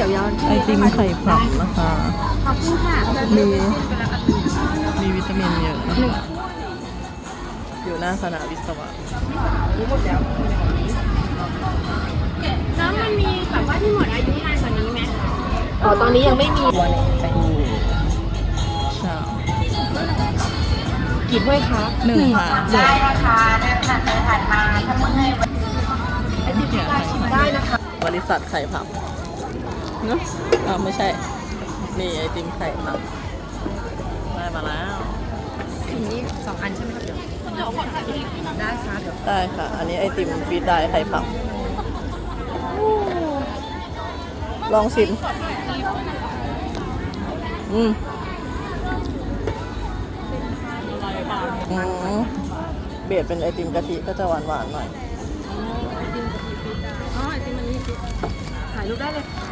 ไอติมไข่ผับนะคะขอบคุณค่ะมีวิตามินเยอะนะคะอยู่หน้าคณะวิศวะแล้วมันมีแบบว่าที่หมดอายุนานกว่านี้ไหมอ๋อตอนนี้ยังไม่มีชากี่ถ้วยคะหนึ่งค่ะได้นะคะเดินผ่านไปผ่านมาถ้าเมื่อยไอติมที่ร้านชิมได้นะคะบริษัทไข่ผับเนอะไม่ใช่ นี่ไอติมไข่ผับได้มาแล้วอันนี้2 อันใช่ไหมครับเดี๋ยวขอถ่ายรูปได้ค่ะเดี๋ยวได้ค่ะ อันนี้ไอติมฟีดได้ไข่ผับ ลองชิมอืมเบียดเป็นไอติมกะทิก็จะหวานๆหน่อยอ๋อไอติมมันนี่ถ่ายรูปได้เลยค่ะ